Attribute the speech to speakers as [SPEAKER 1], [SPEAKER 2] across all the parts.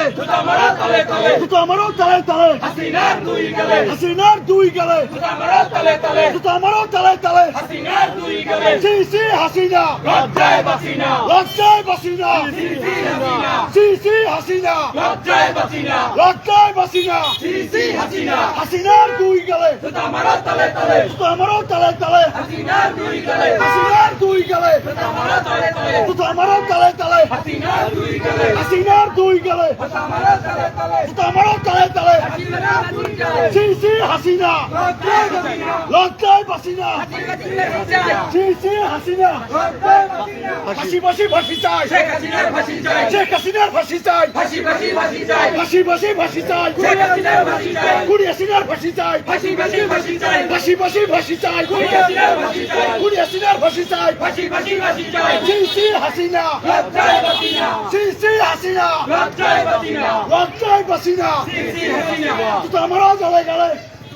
[SPEAKER 1] জুতা মারো তলে তলে,
[SPEAKER 2] জুতা মারো তলে তলে,
[SPEAKER 1] হাসিনার দুই গালে,
[SPEAKER 2] হাসিনার দুই গালে,
[SPEAKER 1] জুতা মারো তলে তলে,
[SPEAKER 2] জুতা মারো তলে তলে,
[SPEAKER 1] হাসিনার দুই গালে,
[SPEAKER 2] সিসি হাসিনা,
[SPEAKER 1] লজ্জায় বাঁচি না,
[SPEAKER 2] লজ্জায় বাসি না,
[SPEAKER 1] সিসি হাসিনা,
[SPEAKER 2] সিসি হাসিনা,
[SPEAKER 1] লজ্জায় বাঁচি না,
[SPEAKER 2] লজ্জায় বাসি না,
[SPEAKER 1] সিসি হাসিনা,
[SPEAKER 2] হাসিনার দুই গালে,
[SPEAKER 1] জুতা মারো তলে তলে,
[SPEAKER 2] জুতা মারো তলে তলে,
[SPEAKER 1] হাসিনার দুই গালে,
[SPEAKER 2] হাসিনার দুই গালে,
[SPEAKER 1] জুতা মারো তলে তলে,
[SPEAKER 2] জুতা মারো তলে তলে,
[SPEAKER 1] হাসিনার দুই গালে,
[SPEAKER 2] হাসিনার দুই গালে,
[SPEAKER 1] জুতা মারো তলে তলে,
[SPEAKER 2] জুতা মারো তলে তলে,
[SPEAKER 1] হাসিনার দুই গালে,
[SPEAKER 2] সিসি হাসিনা,
[SPEAKER 1] লজ্জায় বাঁচি না,
[SPEAKER 2] লজ্জায় বাসি না,
[SPEAKER 1] হাসিনার লজ্জায়,
[SPEAKER 2] সিসি হাসিনা,
[SPEAKER 1] লজ্জায় বাঁচি না,
[SPEAKER 2] ফাঁসি ফাঁসি ফাঁসি চাই,
[SPEAKER 1] শেখ হাসিনার ফাঁসি চাই,
[SPEAKER 2] শেখ হাসিনার ফাঁসি চাই,
[SPEAKER 1] ফাঁসি ফাঁসি ফাঁসি চাই,
[SPEAKER 2] ফাঁসি ফাঁসি ফাঁসি চাই,
[SPEAKER 1] শেখ হাসিনার ফাঁসি চাই,
[SPEAKER 2] কুড়ি হাসিনার ফাঁসি চাই,
[SPEAKER 1] ফাঁসি ফাঁসি ফাঁসি চাই,
[SPEAKER 2] ফাঁসি ফাঁসি ফাঁসি চাই,
[SPEAKER 1] শেখ হাসিনার ফাঁসি চাই,
[SPEAKER 2] কুড়ি হাসিনার ফাঁসি চাই,
[SPEAKER 1] ফাঁসি ফাঁসি ফাঁসি চাই,
[SPEAKER 2] সিসি হাসিনা,
[SPEAKER 1] লজ্জায় বাঁচি না,
[SPEAKER 2] সিসি হাসিনা,
[SPEAKER 1] লজ্জায় বাঁচি না,
[SPEAKER 2] লজ্জায় বাসি না,
[SPEAKER 1] সিসি হাসিনা,
[SPEAKER 2] জুতা মারো তলে গেলে,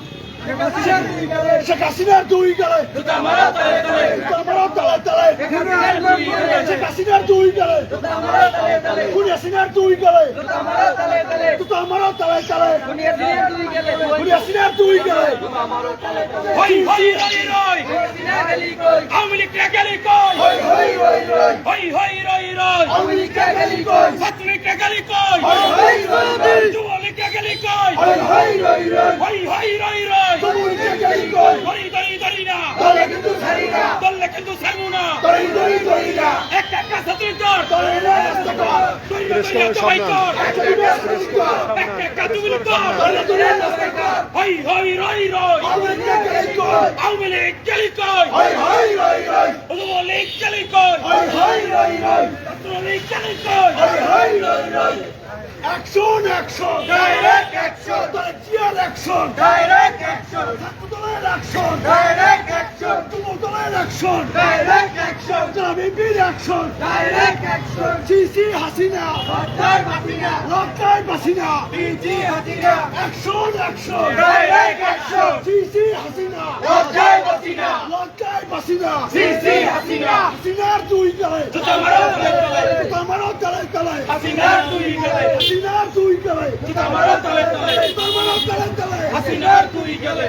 [SPEAKER 1] হাসিনার দুই গালে,
[SPEAKER 2] শেখ হাসিনার দুই গেলে,
[SPEAKER 1] জুতা মারো তলে তলে,
[SPEAKER 2] জুতা মারো তলে তলে,
[SPEAKER 1] হাসিনার দুই গালে,
[SPEAKER 2] শেখ হাসিনার দুই গেলে,
[SPEAKER 1] জুতা মারো তলে তলে,
[SPEAKER 2] কুড়ি হাসিনার দুই গেলে,
[SPEAKER 1] জুতা মারো তলে তলে,
[SPEAKER 2] জুতা মারো তলে তলে,
[SPEAKER 1] হাসিনার দুই গালে,
[SPEAKER 2] কুড়ি হাসিনার দুই গেলে,
[SPEAKER 1] জুতা মারো তলে তলে,
[SPEAKER 3] হই হই রই রই,
[SPEAKER 1] হাসিনা গেলি কই,
[SPEAKER 3] আওয়ামী লীগরা গেলি কই,
[SPEAKER 1] হই হই হই হই,
[SPEAKER 3] হই হই রই রই,
[SPEAKER 1] আওয়ামী লীগরা গেলি কই,
[SPEAKER 3] ছাত্রলীগরা গেলি কই,
[SPEAKER 1] হই হই হই হই,
[SPEAKER 3] যুবলীগরা গেলি কই,
[SPEAKER 1] হই হই হই হই,
[SPEAKER 3] হই হই রই রই,
[SPEAKER 1] তবুলিগরা গেলি কই,
[SPEAKER 3] ধরি ধরি ধরি না,
[SPEAKER 1] দলে কিন্তু ছাড়ি না,
[SPEAKER 3] দললে কিন্তু ছাড়বো না,
[SPEAKER 1] দড়ি দড়ি দড়ি না,
[SPEAKER 3] একটা একটা ছাত্রীর দল,
[SPEAKER 1] দলে না রাস্তা কর,
[SPEAKER 3] দইরা দইরা দবাই কর,
[SPEAKER 1] একটা বিবেক করি কর,
[SPEAKER 3] একটা একটা যুবলীগ কর,
[SPEAKER 1] দলে দলে রাস্তা কর,
[SPEAKER 3] হই হই রই রই,
[SPEAKER 1] আওয়ামী লীগরা গেলি কই,
[SPEAKER 3] আওয়ামী লীগ গেলি কই,
[SPEAKER 1] হই হই হই হই,
[SPEAKER 3] যুবলীগ গেলি কই,
[SPEAKER 1] হই হই হই হই,
[SPEAKER 3] ছাত্রলীগ গেলি কই,
[SPEAKER 1] হই হই হই হই,
[SPEAKER 2] অ্যাকশন অ্যাকশন,
[SPEAKER 1] ডাইরেক্ট অ্যাকশন,
[SPEAKER 2] জিয়ার অ্যাকশন,
[SPEAKER 1] ডাইরেক্ট অ্যাকশন,
[SPEAKER 2] ছাত্রদলের অ্যাকশন,
[SPEAKER 1] ডাইরেক্ট অ্যাকশন,
[SPEAKER 2] যুবদলের অ্যাকশন,
[SPEAKER 1] ডাইরেক্ট অ্যাকশন,
[SPEAKER 2] বিএনপির অ্যাকশন,
[SPEAKER 1] ডাইরেক্ট অ্যাকশন,
[SPEAKER 2] সিসি হাসিনা,
[SPEAKER 1] লজ্জায় বাঁচি না,
[SPEAKER 2] লজ্জায় বাসি না,
[SPEAKER 1] সিসি Hasina,
[SPEAKER 2] action action,
[SPEAKER 1] direct action,
[SPEAKER 2] সিসি হাসিনা,
[SPEAKER 1] লজ্জায় বাঁচি না,
[SPEAKER 2] লজ্জায় বাসি না,
[SPEAKER 1] সিসি হাসিনা,
[SPEAKER 2] হাসিনার দুই গেলে,
[SPEAKER 3] জুতা মারো তলে তলে,
[SPEAKER 2] জুতা মারো তলে তলে,
[SPEAKER 3] হাসিনার দুই গেলে,
[SPEAKER 2] হাসিনার দুই গেলে,
[SPEAKER 3] জুতা মারো তলে তলে,
[SPEAKER 2] জুতা মারো তলে তলে,
[SPEAKER 3] হাসিনার দুই গেলে।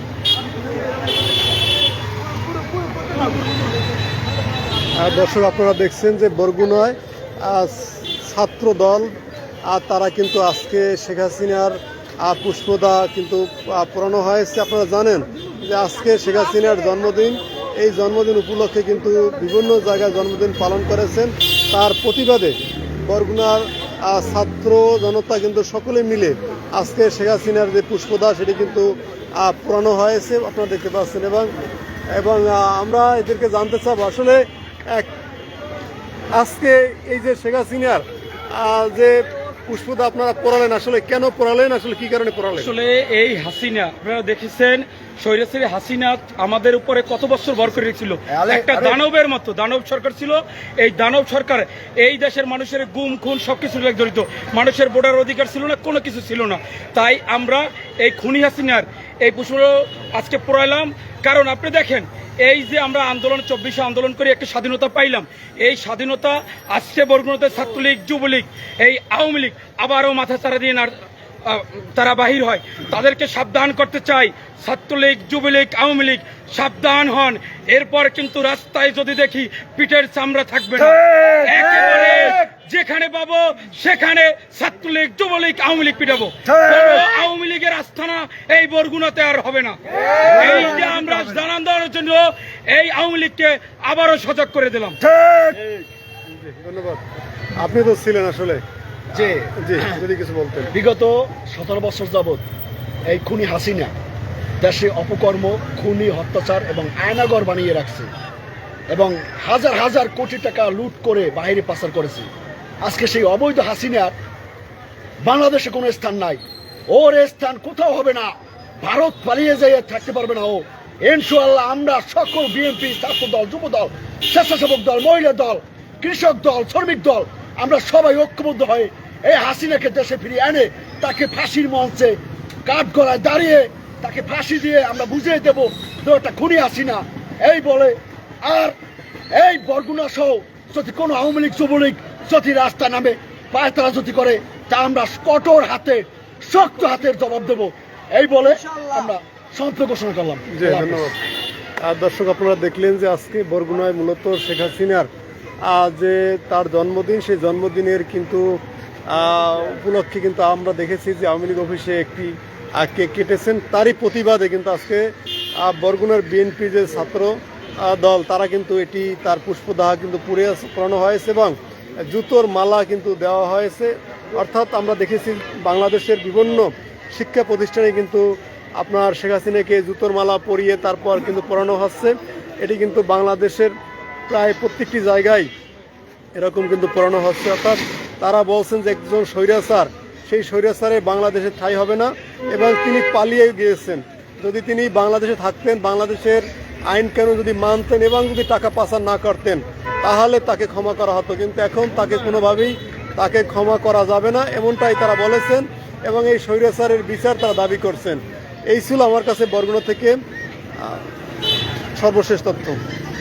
[SPEAKER 4] দর্শক আপনারা দেখছেন যে বরগুনায় ছাত্র দল আর তারা কিন্তু আজকে শেখ হাসিনার পুষ্পদা কিন্তু পোড়ানো হয়েছে। আপনারা জানেন যে আজকে শেখ হাসিনার জন্মদিন, এই জন্মদিন উপলক্ষে কিন্তু বিভিন্ন জায়গায় জন্মদিন পালন করেছেন। তার প্রতিবাদে বরগুনার ছাত্র জনতা কিন্তু সকলে মিলে আজকে শেখ হাসিনার যে পুষ্পদা সেটি কিন্তু পোড়ানো হয়েছে, আপনারা দেখতে পাচ্ছেন। এবং আমরা এদেরকে জানতে চাবো আসলে আজকে এই যে শেখ হাসিনার যে পুষ্পদা আপনারা পোড়ালেন, আসলে কেন পোড়ালেন, আসলে কি কারণে পোড়ালেন?
[SPEAKER 3] আসলে এই হাসিনা আপনারা দেখেছেন, স্বৈরাচারী হাসিনা আমাদের উপরে কত বছর ভর করে রেখেছিল। একটা দানবের মতো দানব সরকার ছিল। এই দানব সরকার এই দেশের মানুষের গুম খুন সবকিছু জড়িত। মানুষের ভোটার অধিকার ছিল না, কোনো কিছু ছিল না। তাই আমরা এই খুনি হাসিনার এই পুষ্প আজকে পোড়াইলাম। কারণ আপনি দেখেন, এই যে আমরা আন্দোলন 24 আন্দোলন করে একটা স্বাধীনতা পাইলাম, এই স্বাধীনতা আজকে বরগুনাতে ছাত্রলীগ, যুবলীগ, এই আওয়ামী লীগ আবারও মাথা চারা দিয়ে তারা বাহির হয়। তাদেরকে সাবধান করতে চাই, ছাত্রলীগ, যুবলীগ, আওয়ামী লীগ সাবধান হন। এরপর কিন্তু রাস্তায় যদি দেখি পিঠের চামড়া থাকবে না। একেবারে যেখানে পাবো সেখানে ছাত্রলীগ, যুবলীগ, আওয়ামী লীগ পিটাবো। আওয়ামী লীগের আস্থানা এই বরগুনাতে আর হবে না। এই যে আমরা জানান দেওয়ার জন্য এই আওয়ামী লীগকে আবারও সজাগ করে দিলাম।
[SPEAKER 4] ধন্যবাদ। আপনি তো ছিলেন আসলে,
[SPEAKER 2] যে
[SPEAKER 4] জি যদি কিছু বলতেন।
[SPEAKER 2] বিগত 17 বছর যাবৎ এই খুনি হাসিনা দেশে অপকর্ম, খুনি, অত্যাচার এবং আয়নাগর বানিয়ে রাখছে এবং হাজার হাজার কোটি টাকা লুট করে বাইরে পাচার করেছে। আজকে সেই অবৈধ হাসিনার বাংলাদেশে কোনো স্থান নাই। ওর স্থান কোথাও হবে না। ভারত পালিয়ে যেয়ে থাকতে পারবে না ও। ইনশাআল্লাহ আমরা সকল বিএনপি, ছাত্র দল, যুব দল, স্বেচ্ছাসেবক দল, মহিলা দল, কৃষক দল, শ্রমিক দল, আমরা সবাই ঐক্যবদ্ধ হয়ে এই হাসিনাকে দেশে ফিরিয়ে এনে তাকে ফাঁসির মঞ্চে কাঠ গলায় দাঁড়িয়ে তাকে ফাঁসি দিয়ে আমরা বুঝিয়ে দেবো তো একটা খুনি হাসিনা এই বলে। আর এই বরগুনা সহ যদি কোনো আওয়ামী লীগ, যুবলীগ যদি রাস্তা নামে পায়তারা যদি করে, তা আমরা কঠোর হাতে শক্ত হাতের জবাব দেব, এই বলে আমরা সমাপ্ত ঘোষণা করলাম।
[SPEAKER 4] জি ধন্যবাদ। দর্শক আপনারা দেখলেন যে আজকে বরগুনায় মূলত শেখ হাসিনার যে তার জন্মদিন, সেই জন্মদিনের কিন্তু উপলক্ষে কিন্তু আমরা দেখেছি যে আওয়ামী লীগ অফিসে একটি কেক কেটেছেন। তারই প্রতিবাদে কিন্তু আজকে বরগুনার বিএনপি যে ছাত্র দল তারা কিন্তু এটি তার পুষ্পদাহ কিন্তু পুরানো হয়েছে এবং জুতোর মালা কিন্তু দেওয়া হয়েছে। অর্থাৎ আমরা দেখেছি বাংলাদেশের বিভিন্ন শিক্ষা প্রতিষ্ঠানে কিন্তু আপনার শেখ হাসিনাকে জুতোর মালা পরিয়ে তারপর কিন্তু পরানো হচ্ছে। এটি কিন্তু বাংলাদেশের প্রায় প্রত্যেকটি জায়গায় এরকম কিন্তু পরানো হচ্ছে। অর্থাৎ তারা বলছেন যে একজন স্বৈরাচার, সেই স্বৈরাচারে বাংলাদেশে ঠাঁই হবে না এবং তিনি পালিয়ে গিয়েছেন। যদি তিনি বাংলাদেশে থাকতেন, বাংলাদেশের আইন কানুন যদি মানতেন এবং যদি টাকা পাচার না করতেন তাহলে তাকে ক্ষমা করা হতো, কিন্তু এখন তাকে কোনোভাবেই তাকে ক্ষমা করা যাবে না, এমনটাই তারা বলেছেন এবং এই স্বৈরাচারের বিচার তারা দাবি করছেন। এই ছিল আমার কাছে বরগুনা থেকে সর্বশেষ তথ্য।